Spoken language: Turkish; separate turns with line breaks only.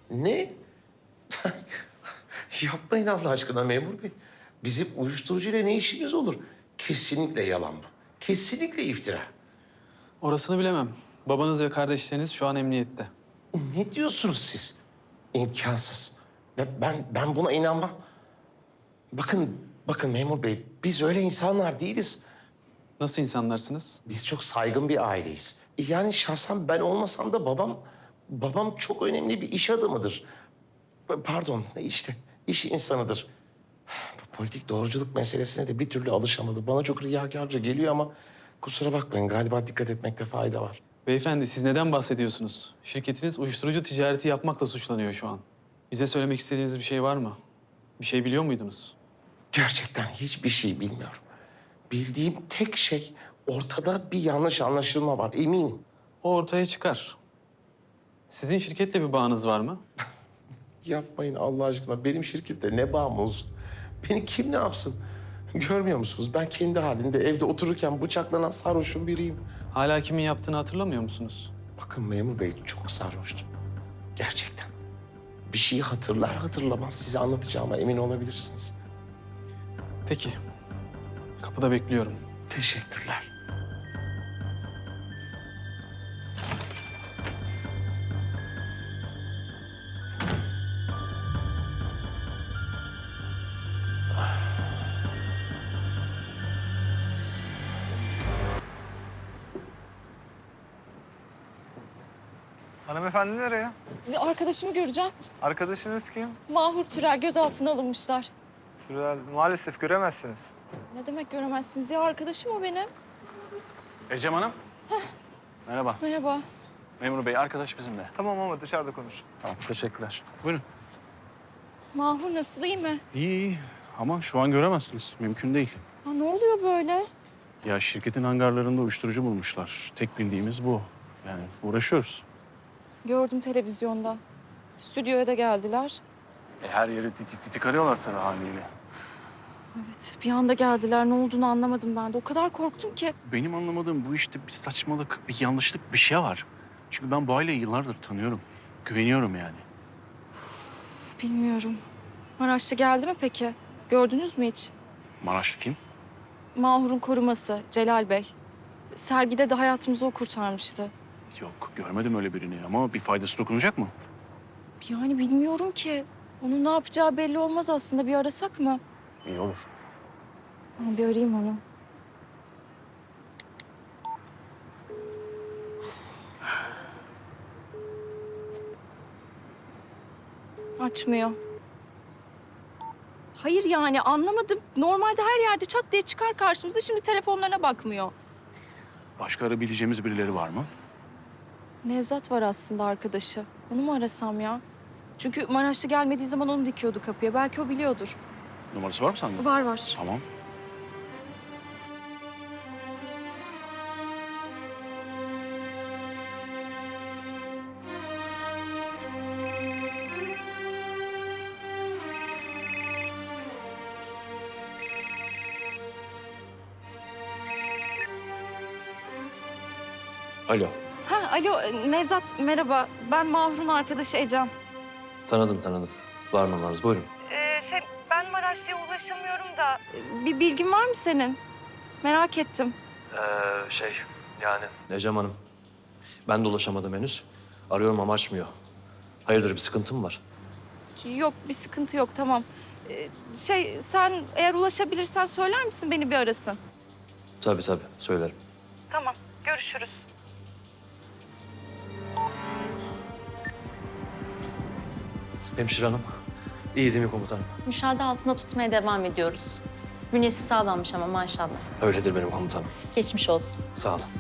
Ne? Yapmayın Allah aşkına memur bey. Bizim uyuşturucuyla ne işimiz olur? Kesinlikle yalan bu. Kesinlikle iftira.
Orasını bilemem. Babanız ve kardeşleriniz şu an emniyette.
Ne diyorsunuz siz? İmkansız. Ben buna inanmam. Bakın memur bey, biz öyle insanlar değiliz.
Nasıl insanlarsınız?
Biz çok saygın bir aileyiz. Yani şahsen ben olmasam da babam çok önemli bir iş adamıdır. Pardon, işte iş insanıdır. Bu politik doğruculuk meselesine de bir türlü alışamadı. Bana çok riyakarca geliyor ama kusura bakmayın, galiba dikkat etmekte fayda var.
Beyefendi siz neden bahsediyorsunuz? Şirketiniz uyuşturucu ticareti yapmakla suçlanıyor şu an. Bize söylemek istediğiniz bir şey var mı? Bir şey biliyor muydunuz?
Gerçekten hiçbir şey bilmiyorum. Bildiğim tek şey, ortada bir yanlış anlaşılma var, eminim.
O ortaya çıkar. Sizin şirketle bir bağınız var mı?
Yapmayın Allah aşkına. Benim şirkette ne bağım olsun? Beni kim ne yapsın? Görmüyor musunuz? Ben kendi halinde evde otururken bıçaklanan sarhoşun biriyim.
Hala kimin yaptığını hatırlamıyor musunuz?
Bakın memur bey, çok sarhoştum. Gerçekten. Bir şeyi hatırlar hatırlamaz size anlatacağıma emin olabilirsiniz.
Peki. Kapıda bekliyorum.
Teşekkürler.
Hanımefendi nereye?
Arkadaşımı göreceğim.
Arkadaşınız kim?
Mahur Türel gözaltına alınmışlar.
Şurada maalesef göremezsiniz.
Ne demek göremezsiniz ya? Arkadaşım o benim.
Ecem Hanım. Merhaba.
Merhaba.
Memur Bey, arkadaş bizimle.
Tamam ama dışarıda konuş.
Tamam, teşekkürler. Buyurun.
Mahur nasıl, iyi mi?
İyi ama şu an göremezsiniz. Mümkün değil.
Ha, ne oluyor böyle?
Ya şirketin hangarlarında uyuşturucu bulmuşlar. Tek bildiğimiz bu. Yani uğraşıyoruz.
Gördüm televizyonda. Stüdyoya da geldiler.
Her yeri titik arıyorlar tabii haliyle.
Evet, bir anda geldiler. Ne olduğunu anlamadım ben de. O kadar korktum ki.
Benim anlamadığım bu işte bir saçmalık, bir yanlışlık, bir şey var. Çünkü ben bu aileyi yıllardır tanıyorum. Güveniyorum yani.
Bilmiyorum. Maraşlı geldi mi peki? Gördünüz mü hiç?
Maraşlı kim?
Mahur'un koruması Celal Bey. Sergide de hayatımızı o kurtarmıştı.
Yok, görmedim öyle birini ama bir faydası dokunacak mı?
Yani bilmiyorum ki. Onun ne yapacağı belli olmaz aslında. Bir arasak mı?
İyi olur.
Ha, bir arayayım onu. Açmıyor. Hayır yani anlamadım. Normalde her yerde çat diye çıkar karşımıza. Şimdi telefonlarına bakmıyor.
Başka arayabileceğimiz birileri var mı?
Nevzat var aslında arkadaşı. Onu mu arasam ya? Çünkü Maraşlı gelmediği zaman onu dikiyordu kapıya. Belki o biliyordur.
Numarası var mı sende?
Var var.
Tamam.
Alo,
Ha, alo Nevzat merhaba. Ben Mahur'un arkadaşı Ecem.
tanıdım. Var numaranız, buyurun.
Ben Maraşlı'ya ulaşamıyorum da. Bir bilgin var mı senin? Merak ettim.
Yani? Ecem Hanım, ben de ulaşamadım henüz. Arıyorum ama açmıyor. Hayırdır, bir sıkıntı mı var?
Yok bir sıkıntı yok tamam. Sen eğer ulaşabilirsen söyler misin beni bir arasın?
Tabii, söylerim.
Tamam görüşürüz.
Hemşire hanım, iyi değil mi komutanım?
Müşahede altında tutmaya devam ediyoruz. Bünyesi sağlammış ama maşallah.
Öyledir benim komutanım.
Geçmiş olsun.
Sağ olun.